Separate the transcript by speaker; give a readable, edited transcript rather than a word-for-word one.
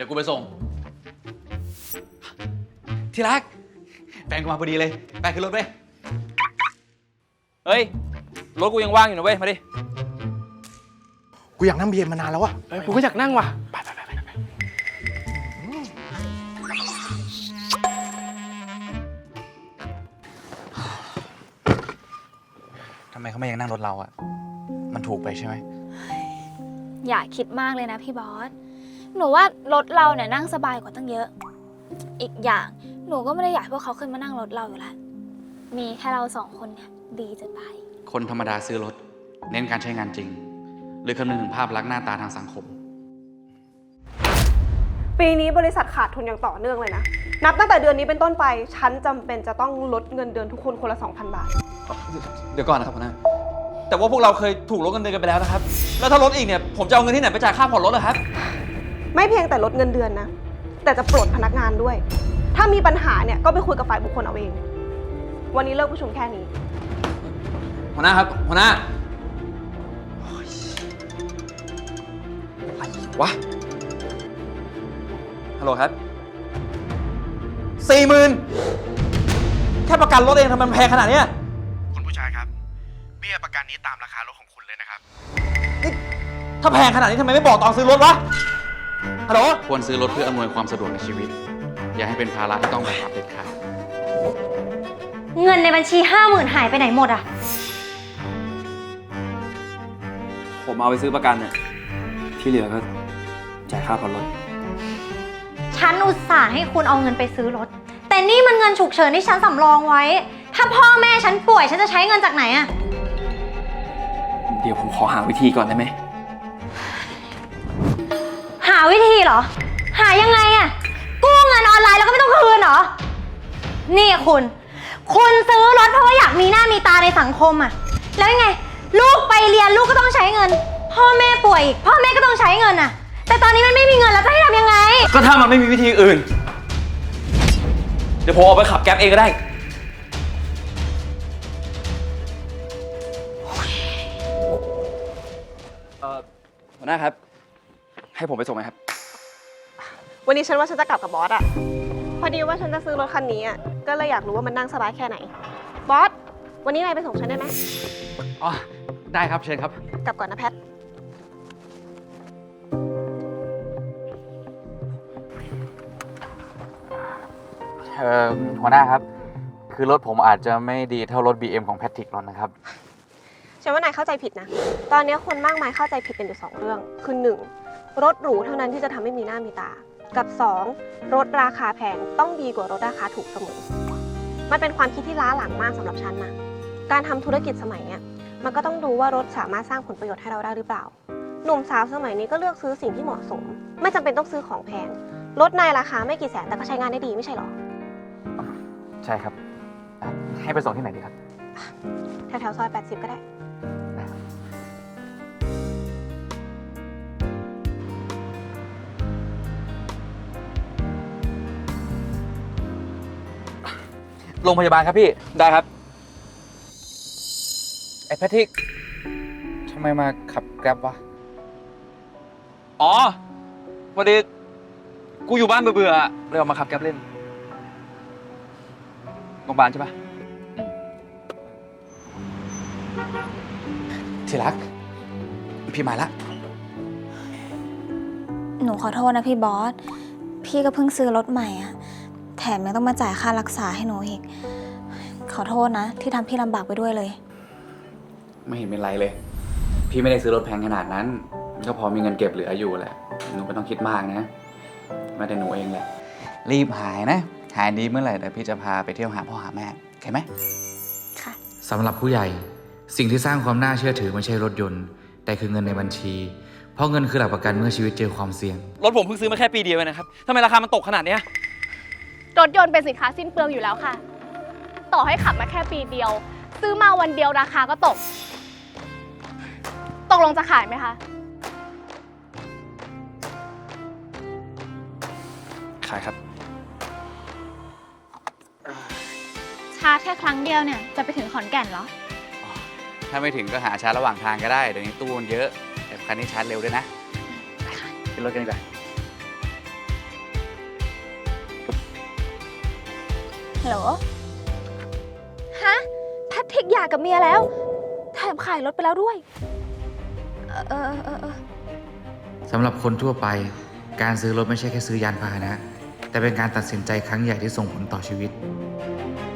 Speaker 1: ดี๋ยวกูไปส่ง ที่รักแฟนกูมาพอดีเลยไปขึ้นรถไป
Speaker 2: เฮ้ยรถกูยังว่างอยู่นะเว้ยมาดิ
Speaker 3: กูอยากนั่งBMมานานแล้วอะ
Speaker 2: กูก็อยากนั่งว่ะไป
Speaker 1: ทำไมเขาไม่ยังนั่งรถเราอะมันถูกไปใช่ไหม
Speaker 4: อย่าคิดมากเลยนะพี่บอสหนูว่ารถเราเนี่ยนั่งสบายกว่าตั้งเยอะอีกอย่างหนูก็ไม่ได้อยากให้พวกเขาขึ้นมานั่งรถเราอยู่แล้วมีแค่เรา2 คนเนี่ยดีจะตาย
Speaker 1: คนธรรมดาซื้อรถเน้นการใช้งานจริงหรือคำนึงถึงภาพลักษณ์หน้าตาทางสังคม
Speaker 5: ปีนี้บริษัทขาดทุนอย่างต่อเนื่องเลยนะนับตั้งแต่เดือนนี้เป็นต้นไปฉันจำเป็นจะต้องลดเงินเดือนทุกคนคนละ 2,000 บาท
Speaker 2: เดี๋ยวก่อนนะครับหัวหน้าแต่ว่าพวกเราเคยถูกลดเงินเดือนกันไปแล้วนะครับแล้วถ้าลดอีกเนี่ยผมจะเอาเงินที่ไหนไปจ่ายค่าผ่อนรถล่ะครับ
Speaker 5: ไม่เพียงแต่ลดเงินเดือนนะแต่จะปลดพนักงานด้วยถ้ามีปัญหาเนี่ยก็ไปคุยกับฝ่ายบุคคลเอาเองวันนี้เลิกประชุมแค่นี้
Speaker 2: หัวหน้าครับหัวหน้าอะไรวะฮัลโหลครับ40,000แค่ประกันรถเองทำไมมันแพงขนาดนี้
Speaker 3: คุณผู้ชายครับเบี้ยประกันนี้ตามราคารถของคุณเลยนะครับ
Speaker 2: นี่ถ้าแพงขนาดนี้ทำไมไม่บอกตอนซื้อรถวะฮัลโหล
Speaker 1: ควรซื้อรถเพื่ออำนวยความสะดวกในชีวิตอย่าให้เป็นภาระที่ต้องแบกรับเด็ดขาด
Speaker 6: เงินในบัญชี 50,000 หายไปไหนหมดอ่ะ
Speaker 2: ผมเอาไปซื้อประกันเนี่ยที่เหลือก็จ่ายค่าผ่อนรถ
Speaker 6: ฉันอุตส่าห์ให้คุณเอาเงินไปซื้อรถแต่นี่มันเงินฉุกเฉินที่ฉันสำรองไว้ถ้าพ่อแม่ฉันป่วยฉันจะใช้เงินจากไหนอ่ะ
Speaker 2: เดี๋ยวผมขอหาวิธีก่อนได้ไหม
Speaker 6: หาวิธีเหรอหายังไงอ่ะกู้เงินออนไลน์แล้วก็ไม่ต้องคืนเหรอนี่คุณซื้อรถเพราะว่าอยากมีหน้ามีตาในสังคมอ่ะแล้วยังไงลูกไปเรียนลูกก็ต้องใช้เงินพ่อแม่ป่วยอีกพ่อแม่ก็ต้องใช้เงินอ่ะแต่ตอนนี้มันไม่มีเงินแล้วจะให้ทำยังไง
Speaker 2: ก็ถ้ามันไม่มีวิธีอื่นเดี๋ยวผมเอาไปขับแก๊ปเองก็ได้หัวหน้าครับให้ผมไปส่งไหมครับ
Speaker 5: วันนี้ฉันว่าฉันจะกลับกับบอสอะพอดีว่าฉันจะซื้อรถคันนี้อะก็เลยอยากรู้ว่ามันนั่งสบายแค่ไหนบอสวันนี้นายไปส่งฉันได้ไหม
Speaker 1: อ๋อได้ครับเชิญครับ
Speaker 5: กลับก่อนนะแพท
Speaker 1: หัวหน้าครับคือรถผมอาจจะไม่ดีเท่ารถ BM ของแพทริกหรอกนะครับ
Speaker 5: ฉันว่านายเข้าใจผิดนะตอนนี้คนมากมายเข้าใจผิดกันอยู่2เรื่องคือ1รถหรูเท่านั้นที่จะทำให้มีหน้ามีตากับ2รถราคาแพงต้องดีกว่ารถราคาถูกเสมอมันเป็นความคิดที่ล้าหลังมากสำหรับฉันนะการทำธุรกิจสมัยนี้มันก็ต้องดูว่ารถสามารถสร้างผลประโยชน์ให้เราได้หรือเปล่าหนุ่มสาวสมัยนี้ก็เลือกซื้อสิ่งที่เหมาะสมไม่จำเป็นต้องซื้อของแพงรถในราคาไม่กี่แสนแต่ก็ใช้งานได้ดีไม่ใช่หรอ
Speaker 1: ใช่ครับให้ไปส่งที่ไหนดีครับ
Speaker 5: แถวๆซอย80ก็ได้
Speaker 2: โรงพยาบาลครับพี่ได้ครับไอ้แพทริกทำไมมาขับแกร็บวะอ๋อพอดีกูอยู่บ้านเบื่อๆเลยออกมาขับแกร็บเล่นโรงพยาบาลใช่ปะ
Speaker 1: ที่รักพี่มาละ
Speaker 4: หนูขอโทษนะพี่บอสพี่ก็เพิ่งซื้อรถใหม่อะแถมยังต้องมาจ่ายค่ารักษาให้หนูอีกขอโทษนะที่ทำพี่ลำบากไปด้วยเลย
Speaker 1: ไม่เห็นเป็นไรเลยพี่ไม่ได้ซื้อรถแพงขนาดนั้นก็พอมีเงินเก็บเหลืออยู่แหละหนูไม่ต้องคิดมากนะไม่แต่หนูเองแหละรีบหายนะหายดีเมื่อไหร่เดี๋ยวพี่จะพาไปเที่ยวหาพ่อหาแม่โอเคไหม
Speaker 4: ค่ะ
Speaker 7: สำหรับผู้ใหญ่สิ่งที่สร้างความน่าเชื่อถือไม่ใช่รถยนต์แต่คือเงินในบัญชีเพราะเงินคือหลักประกันเมื่อชีวิตเจอความเสี่ยง
Speaker 2: รถผมเพิ่งซื้อมาแค่ปีเดียวเองนะครับทำไมราคามันตกขนาดนี้
Speaker 8: รถยนต์เป็นสินค้าสิ้นเปลืองอยู่แล้วค่ะต่อให้ขับมาแค่ปีเดียวซื้อมาวันเดียวราคาก็ตกลงจะขายไหมคะ
Speaker 2: ขายครับ
Speaker 4: ชาร์จแค่ครั้งเดียวเนี่ยจะไปถึงขอนแก่นเหรอ
Speaker 1: ถ้าไม่ถึงก็หาชาร์จระหว่างทางก็ได้เดี๋ยวนี้ตู้มันเยอะแต่คันนี้ชาร์จเร็วด้วยนะขึ้นรถกันดีกว่า
Speaker 4: ฮัลโหล ฮะ แพทริกหย่ากับเมียแล้ว แถมขายรถไปแล้วด้วย เออ
Speaker 7: สำหรับคนทั่วไป การซื้อรถไม่ใช่แค่ซื้อยานพาหนะ แต่เป็นการตัดสินใจครั้งใหญ่ที่ส่งผลต่อชีวิต